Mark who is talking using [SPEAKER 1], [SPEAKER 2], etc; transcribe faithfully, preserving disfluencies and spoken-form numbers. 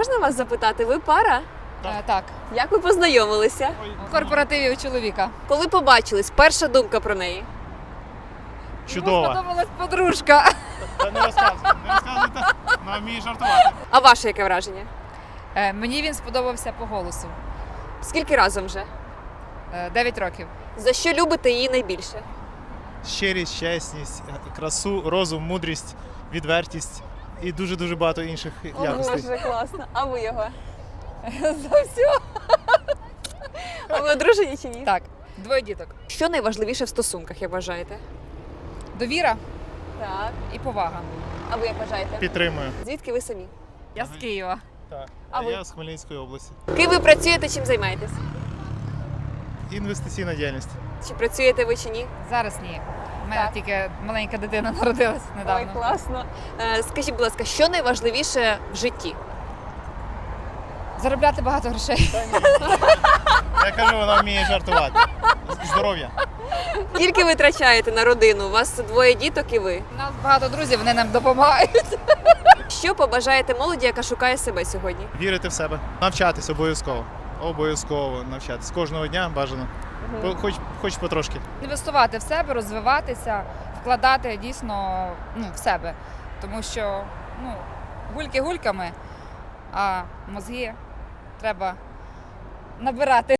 [SPEAKER 1] можна вас запитати, ви пара?
[SPEAKER 2] Е, Так,
[SPEAKER 1] Як ви познайомилися?
[SPEAKER 2] в корпоративі у чоловіка.
[SPEAKER 1] Коли побачились, перша думка про неї?
[SPEAKER 3] Чудова.
[SPEAKER 2] Сподобалась подружка.
[SPEAKER 3] Та не розказуйте, не розказуйте, вона вміє жартувати.
[SPEAKER 1] А ваше яке враження?
[SPEAKER 2] Е, Мені він сподобався по голосу.
[SPEAKER 1] Скільки разом вже?
[SPEAKER 2] Е, Дев'ять років.
[SPEAKER 1] За що любите її найбільше?
[SPEAKER 3] Щирість, чесність, красу, розум, мудрість, відвертість і дуже-дуже багато інших якостей.
[SPEAKER 1] Боже, класно. А ви його?
[SPEAKER 2] За все.
[SPEAKER 1] А ви одружені чи ні?
[SPEAKER 2] Так, двоє діток.
[SPEAKER 1] Що найважливіше в стосунках, як вважаєте?
[SPEAKER 2] Довіра
[SPEAKER 1] Так.
[SPEAKER 2] і повага.
[SPEAKER 1] А ви як вважаєте?
[SPEAKER 3] Підтримую.
[SPEAKER 1] Звідки ви самі?
[SPEAKER 2] Я з Києва.
[SPEAKER 3] Так.
[SPEAKER 1] А
[SPEAKER 3] А
[SPEAKER 1] ви?
[SPEAKER 3] я з Хмельницької області.
[SPEAKER 1] Ким ви працюєте, чим займаєтесь?
[SPEAKER 3] Інвестиційна діяльність.
[SPEAKER 1] Чи працюєте ви чи ні?
[SPEAKER 2] Зараз ні. У мене
[SPEAKER 1] Так.
[SPEAKER 2] тільки маленька дитина народилась недавно.
[SPEAKER 1] Ой, класно. Е, скажіть, будь ласка, що найважливіше в житті?
[SPEAKER 2] Заробляти багато грошей.
[SPEAKER 3] Я кажу, вона вміє жартувати. Здоров'я.
[SPEAKER 1] Скільки ви витрачаєте на родину? У вас двоє діток і ви.
[SPEAKER 2] У нас багато друзів, вони нам допомагають.
[SPEAKER 1] Що побажаєте молоді, яка шукає себе сьогодні?
[SPEAKER 3] Вірити в себе. Навчатись обов'язково. Обов'язково навчатись. Кожного дня бажано. По- Хоч, хоч потрошки.
[SPEAKER 2] Інвестувати в себе, розвиватися, вкладати дійсно ну, в себе. Тому що ну, гульки гульками, а мозги треба набирати.